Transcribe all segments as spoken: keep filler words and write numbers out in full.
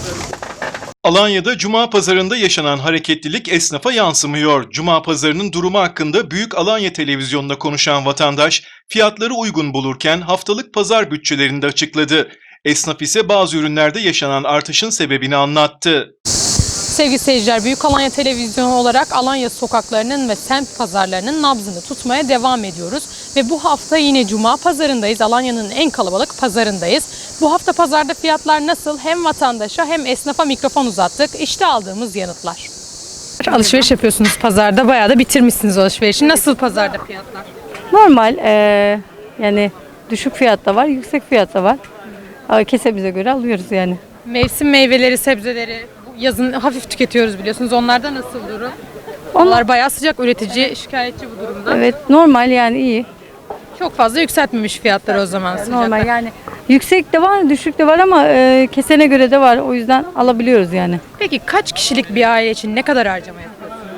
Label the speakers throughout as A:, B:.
A: Alanya'da Cuma pazarında yaşanan hareketlilik esnafa yansımıyor. Cuma pazarının durumu hakkında Büyük Alanya Televizyonu'na konuşan vatandaş, fiyatları uygun bulurken haftalık pazar bütçelerini de açıkladı. Esnaf ise bazı ürünlerde yaşanan artışın sebebini anlattı.
B: Sevgili seyirciler, Büyük Alanya Televizyonu olarak Alanya sokaklarının ve semt pazarlarının nabzını tutmaya devam ediyoruz. Ve bu hafta yine Cuma pazarındayız. Alanya'nın en kalabalık pazarındayız. Bu hafta pazarda fiyatlar nasıl? Hem vatandaşa hem esnafa mikrofon uzattık. İşte aldığımız yanıtlar. Alışveriş yapıyorsunuz pazarda. Bayağı da bitirmişsiniz alışverişi. Nasıl pazarda fiyatlar?
C: Normal, ee, yani düşük fiyat da var, yüksek fiyat da var. Ama kesemize göre alıyoruz yani.
B: Mevsim meyveleri, sebzeleri yazın hafif tüketiyoruz biliyorsunuz. Onlarda nasıl durum?
C: Onlar,
B: Onlar bayağı sıcak, üretici şikayetçi bu durumda.
C: evet, normal yani iyi.
B: Çok fazla yükseltmemiş fiyatları o zaman sıcaklar.
C: Normal yani. Yüksek de var, düşük de var ama e, kesene göre de var. O yüzden alabiliyoruz yani.
B: Peki kaç kişilik bir aile için ne kadar harcama yapıyorsunuz?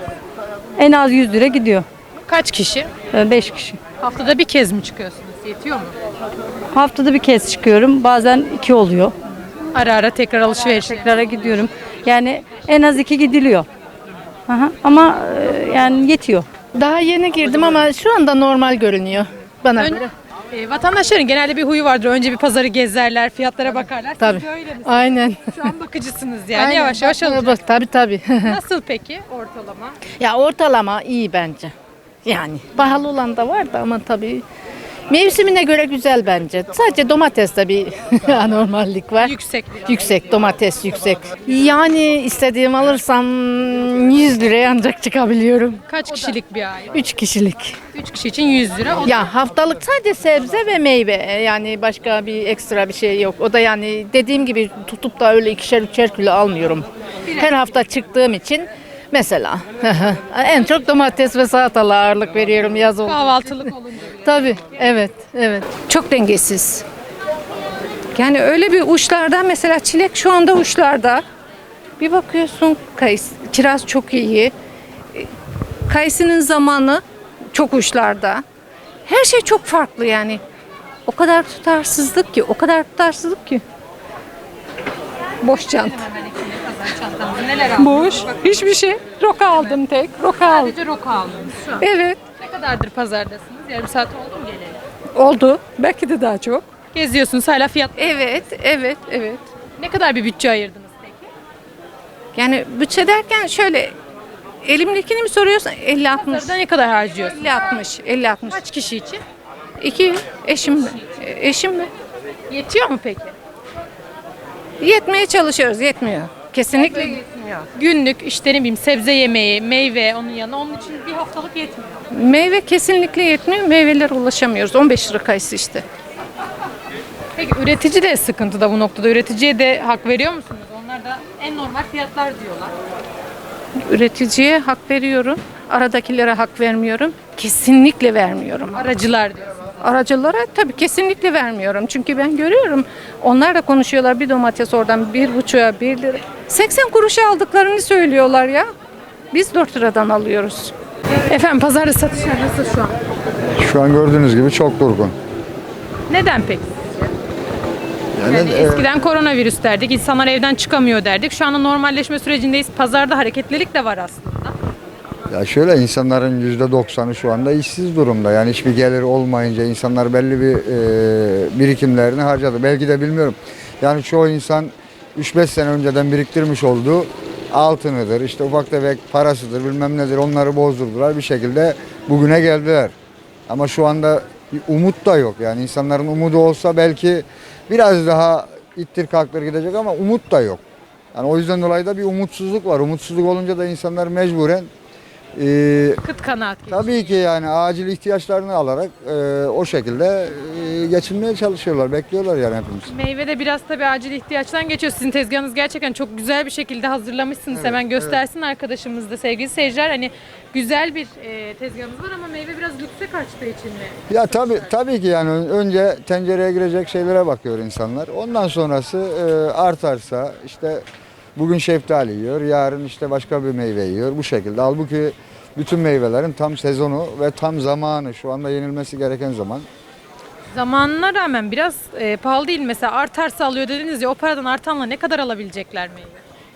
C: En az yüz lira gidiyor.
B: Kaç kişi?
C: E, beş kişi.
B: Haftada bir kez mi çıkıyorsunuz? Yetiyor mu?
C: Haftada bir kez çıkıyorum. Bazen iki oluyor.
B: Ara ara tekrar alışveriş.
C: Tekrara gidiyorum. Yani en az iki gidiliyor. Aha, ama e, yani yetiyor.
D: Daha yeni girdim ama şu anda normal görünüyor bana
B: Ön-
D: göre.
B: E, vatandaşların genelde bir huyu vardır. Önce bir pazarı gezerler, fiyatlara bakarlar. Siz
D: Tabii.
B: de öyle misiniz?
D: Aynen.
B: Şu an bakıcısınız yani.
D: Aynen.
B: Yavaş yavaş
D: Bakmaya
B: alacak.
D: bak- Tabii tabii.
B: Nasıl peki ortalama?
D: Ya ortalama iyi bence. Yani pahalı olan da var da ama tabii mevsimine göre güzel bence. Sadece domateste bir anormallik var.
B: Yüksek biraz.
D: Yüksek, domates yüksek. Yani istediğim alırsam yüz liraya ancak çıkabiliyorum.
B: Kaç kişilik bir aile?
D: üç kişilik.
B: üç kişi için yüz lira. O da
D: Ya haftalık sadece sebze ve meyve, yani başka bir ekstra bir şey yok. O da yani dediğim gibi tutup da öyle ikişer üçer kilo almıyorum. Her hafta çıktığım için mesela en çok domates ve salatalığa ağırlık veriyorum yaz oldu.
B: kahvaltılık olunca.
D: Tabii, evet, evet.
E: Çok dengesiz. Yani öyle bir uçlarda, mesela çilek şu anda uçlarda. Bir bakıyorsun kayısı, kiraz çok iyi. E, Kayısının zamanı çok uçlarda. Her şey çok farklı yani. O kadar tutarsızlık ki, o kadar tutarsızlık ki. Boş çanta.
B: Neler aldınız?
E: Boş. Hiçbir şey. Roka aldım tek. Roka aldım.
B: Sadece roka aldınız şu an.
E: Evet.
B: Ne kadardır pazardasınız? Yarım saat oldu mu geleli?
E: Oldu. Belki de daha çok.
B: Geziyorsunuz hala fiyat.
E: Evet, evet, evet.
B: Ne kadar bir bütçe ayırdınız peki?
E: Yani bütçe derken şöyle, elimdekini mi soruyorsun? elli altmış.
B: Pazarda ne kadar harcıyorsunuz?
E: elli altmış, elli altmış.
B: Kaç kişi için?
E: İki eşim mi? Eşim mi?
B: Yetiyor mu peki?
E: Yetmeye çalışıyoruz, yetmiyor. Kesinlikle yetmiyor.
B: Günlük işte ne bileyim sebze yemeği, meyve onun yanına onun için bir haftalık yetmiyor.
E: Meyve kesinlikle yetmiyor. Meyvelere ulaşamıyoruz. on beş lira kayısı işte.
B: Peki üretici de sıkıntıda bu noktada. Üreticiye de hak veriyor musunuz? Onlar da en normal fiyatlar diyorlar.
E: Üreticiye hak veriyorum. Aradakilere hak vermiyorum. Kesinlikle vermiyorum.
B: Aracılar diyor.
E: Aracılara tabii kesinlikle vermiyorum. Çünkü ben görüyorum. Onlar da konuşuyorlar. Bir domates oradan bir buçuğa bir lira. seksen kuruşa aldıklarını söylüyorlar ya. Biz dört liradan alıyoruz.
B: Efendim pazarda satışlar nasıl şu an?
F: Şu an gördüğünüz gibi çok durgun.
B: Neden peki?
F: Yani,
B: Yani
F: e,
B: eskiden koronavirüs derdik, insanlar evden çıkamıyor derdik. Şu anda normalleşme sürecindeyiz. Pazarda hareketlilik de var aslında.
F: ya şöyle insanların yüzde doksanı şu anda işsiz durumda. Yani hiçbir gelir olmayınca insanlar belli bir e, birikimlerini harcadı. Belki de bilmiyorum. Yani çoğu insan üç beş sene önceden biriktirmiş olduğu altınıdır, işte ufak tefek parasıdır, bilmem nedir, onları bozdurdular. Bir şekilde bugüne geldiler. Ama şu anda bir umut da yok. Yani insanların umudu olsa belki biraz daha ittir kalktır gidecek ama umut da yok. Yani o yüzden dolayı da bir umutsuzluk var. Umutsuzluk olunca da insanlar mecburen e,
B: Kıt kanaat geçiyor.
F: tabii ki yani acil ihtiyaçlarını alarak e, o şekilde e, geçinmeye çalışıyorlar. Bekliyorlar yani hepimiz.
B: Meyve de biraz tabii acil ihtiyaçtan geçiyor. Sizin tezgahınız gerçekten çok güzel bir şekilde hazırlamışsınız. Hemen göstersin arkadaşımız da sevgili seyirciler. Hani güzel bir e, tezgahınız var ama meyve biraz lükse kaçtığı için mi?
F: Ya tabii tabii ki yani önce tencereye girecek şeylere bakıyor insanlar. Ondan sonrası e, artarsa işte bugün şeftali yiyor, yarın işte başka bir meyve yiyor bu şekilde. Halbuki bütün meyvelerin tam sezonu ve tam zamanı, şu anda yenilmesi gereken zaman.
B: Zamanına rağmen biraz e, pahalı değil. Mesela artarsa alıyor dediniz ya, o paradan artanla ne kadar alabilecekler meyve?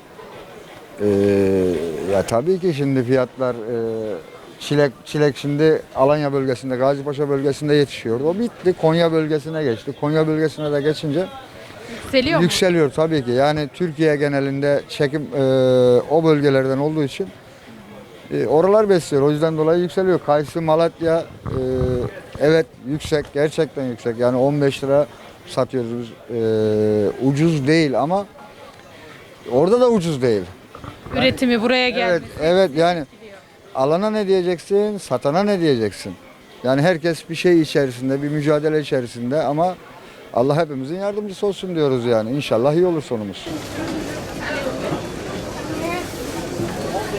F: Ee, ya tabii ki şimdi fiyatlar e, çilek çilek şimdi Alanya bölgesinde, Gazipaşa bölgesinde yetişiyordu. O bitti. Konya bölgesine geçti. Konya bölgesine de geçince
B: Yükseliyor mu?
F: yükseliyor tabii ki. Yani Türkiye genelinde çekim e, o bölgelerden olduğu için e, oralar besliyor. O yüzden dolayı yükseliyor. Kayısı, Malatya e, evet yüksek. Gerçekten yüksek. Yani on beş lira satıyoruz. E, ucuz değil ama orada da ucuz değil.
B: Üretimi buraya geldi.
F: Evet, evet yani alana ne diyeceksin, satana ne diyeceksin? Yani herkes bir şey içerisinde, bir mücadele içerisinde ama Allah hepimizin yardımcısı olsun diyoruz yani. İnşallah iyi olur sonumuz.